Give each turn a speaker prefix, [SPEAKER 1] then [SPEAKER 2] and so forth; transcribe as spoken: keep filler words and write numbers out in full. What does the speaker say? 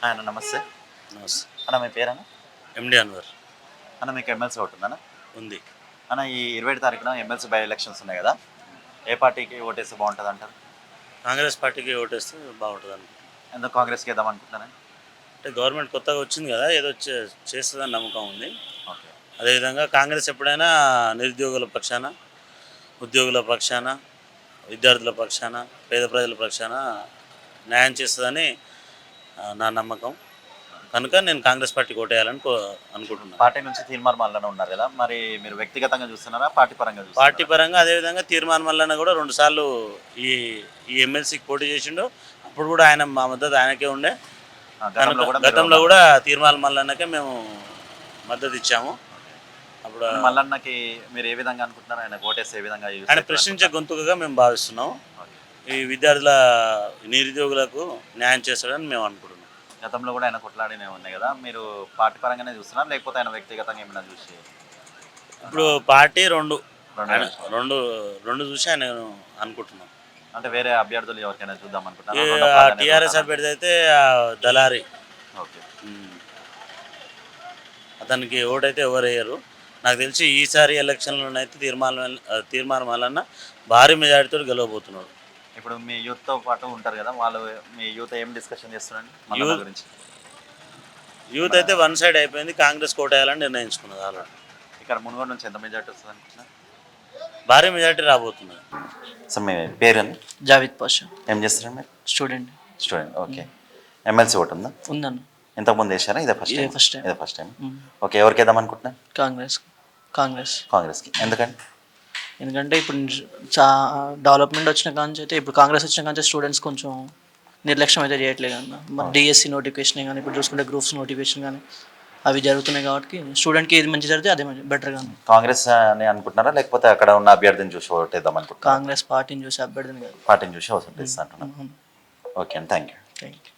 [SPEAKER 1] అన్న నమస్తే.
[SPEAKER 2] నమస్తే.
[SPEAKER 1] అన్న మీ పేరన్నా?
[SPEAKER 2] ఎండి అన్వర్.
[SPEAKER 1] అన్న మీకు ఎమ్మెల్సీ ఓటుందన్న?
[SPEAKER 2] ఉంది.
[SPEAKER 1] అన్న ఈ ఇరవై ఏడు తారీఖున ఎమ్మెల్సీ బై ఎలక్షన్స్ ఉన్నాయి కదా, ఏ పార్టీకి ఓటేస్తే బాగుంటుంది అంటారు?
[SPEAKER 2] కాంగ్రెస్ పార్టీకి ఓటేస్తే బాగుంటుంది అనుకుంటున్నాను.
[SPEAKER 1] ఎందుకు కాంగ్రెస్కి వేద్దాం అనుకుంటున్నాను?
[SPEAKER 2] అంటే గవర్నమెంట్ కొత్తగా వచ్చింది కదా, ఏదో చే- చేస్తుందని నమ్మకం ఉంది.
[SPEAKER 1] ఓకే.
[SPEAKER 2] అదేవిధంగా కాంగ్రెస్ ఎప్పుడైనా నిరుద్యోగుల పక్షాన, ఉద్యోగుల పక్షాన, విద్యార్థుల పక్షాన, పేద ప్రజల పక్షాన న్యాయం చేస్తుందని ఆ, నా నమ్మకం. కనుక నేను కాంగ్రెస్ పార్టీకి ఓటేయాలని కో అనుకుంటున్నాను.
[SPEAKER 1] పార్టీ నుంచి తీర్మానం వల్లనే ఉన్నారు కదా, మరి మీరు వ్యక్తిగతంగా చూస్తున్నారా పార్టీ పరంగా
[SPEAKER 2] పార్టీ
[SPEAKER 1] చూస్తున్నారా?
[SPEAKER 2] పరంగా అదేవిధంగా తీర్మానం వలన కూడా రెండుసార్లు ఈ ఈ ఎమ్మెల్సీకి పోటీ చేసిండు. అప్పుడు కూడా ఆయన మా మద్దతు ఆయనకే ఉండే.
[SPEAKER 1] ఆ, గతంలో
[SPEAKER 2] కనుక
[SPEAKER 1] కూడా మీరు
[SPEAKER 2] గతంలో కూడా తీర్మానం మల్లన్నకే మేము మద్దతు ఇచ్చాము. అప్పుడు
[SPEAKER 1] మల్లన్నకి మీరు ఏ విధంగా అనుకుంటున్నారు? ఆయన ఓటేస్తే ఏ విధంగా use
[SPEAKER 2] ఆయన
[SPEAKER 1] అవుతుంది
[SPEAKER 2] ప్రశ్నించే
[SPEAKER 1] అనుకుంటున్నారు?
[SPEAKER 2] గొంతుకగా మేము భావిస్తున్నాం.
[SPEAKER 1] ఓకే.
[SPEAKER 2] ఈ విద్యార్థుల నిరుద్యోగులకు న్యాయం చేస్తాడని మేము అనుకుంటున్నాం.
[SPEAKER 1] గతంలో కూడా ఆయన కొట్లాడినే ఉన్నాయి కదా, మీరు పార్టీ పరంగానే చూస్తున్నారు లేకపోతే ఆయన వ్యక్తిగతంగా ఏమైనా చూసి?
[SPEAKER 2] ఇప్పుడు పార్టీ రెండు
[SPEAKER 1] రెండు
[SPEAKER 2] ఆయన
[SPEAKER 1] నిమిషాలు.
[SPEAKER 2] రెండు రెండు చూసి ఆయన అనుకుంటున్నాం.
[SPEAKER 1] అంటే వేరే అభ్యర్థులు ఎవరికైనా చూద్దాం
[SPEAKER 2] ఈ
[SPEAKER 1] అనుకుంటున్నారు?
[SPEAKER 2] టీఆర్ఎస్ అభ్యర్థి అయితే ఆ దళారి,
[SPEAKER 1] ఓకే.
[SPEAKER 2] ఉమ్, అతనికి ఓటైతే ఎవరు వేయరు. నాకు తెలిసి ఈసారి ఎలక్షన్లోనైతే తీర్మానం తీర్మానం వలన భారీ మెజారిటీతో గెలవబోతున్నాడు.
[SPEAKER 1] ఇప్పుడు మీ యూత్తో పాటు ఉంటారు కదా, వాళ్ళు మీ యూత్ ఏం డిస్కషన్ చేస్తున్నారండి మల్లన్న
[SPEAKER 2] యూత్
[SPEAKER 1] గురించి?
[SPEAKER 2] యూత్ అయితే వన్ సైడ్ అయిపోయింది, కాంగ్రెస్ కోటేయాలని నిర్ణయించుకున్నది ఆల్రెడీ.
[SPEAKER 1] ఇక్కడ మునుగోడు నుంచి ఎంత మెజార్టీ వస్తుంది అనుకుంటున్నారు?
[SPEAKER 2] భారీ మెజారిటీ రాబోతున్నది.
[SPEAKER 1] సో మీ పేరండి?
[SPEAKER 3] జావిద్ పాషా,
[SPEAKER 1] ఏం చేస్తారండి మీరు?
[SPEAKER 3] Student.
[SPEAKER 1] Student. Okay. MLC vote ఉందా?
[SPEAKER 3] ఉందన్న.
[SPEAKER 1] ఇంతకుముందు వేసారా? ఇదే ఫస్ట్
[SPEAKER 3] ఇదే
[SPEAKER 1] టైం?
[SPEAKER 3] First time.
[SPEAKER 1] ఇదే ఫస్ట్ టైం.
[SPEAKER 3] మ్మ్.
[SPEAKER 1] ఓకే. ఎవరికి వేద్దాం అనుకుంటున్నారు?
[SPEAKER 3] కాంగ్రెస్ కాంగ్రెస్
[SPEAKER 1] కాంగ్రెస్కి. ఎందుకండి?
[SPEAKER 3] ఎందుకంటే ఇప్పుడు చా డెవలప్మెంట్ వచ్చిన కాంచి అయితే, ఇప్పుడు కాంగ్రెస్ వచ్చిన కాంచి స్టూడెంట్స్ కొంచెం నిర్లక్ష్యం అయితే చేయట్లేదు అన్న. మరి డిఎస్సి నోటిఫికేషన్ కానీ, ఇప్పుడు చూసుకుంటే గ్రూప్స్ నోటిఫికేషన్ కానీ అవి జరుగుతున్నాయి కాబట్టి స్టూడెంట్కి ఏది మంచి జరిగితే అదే బెటర్ కానీ.
[SPEAKER 1] కాంగ్రెస్ అని అనుకుంటున్నారా లేకపోతే అక్కడ ఉన్న అభ్యర్థిని చూసి ఓటేద్దాం అనుకుంటున్నారా?
[SPEAKER 3] కాంగ్రెస్ పార్టీని చూసి అభ్యర్థిని కాదు.
[SPEAKER 1] పార్టీని చూసి ఓటు వేస్తా అంటున్నారు. ఓకే అండి, థ్యాంక్ యూ.
[SPEAKER 3] Thank you.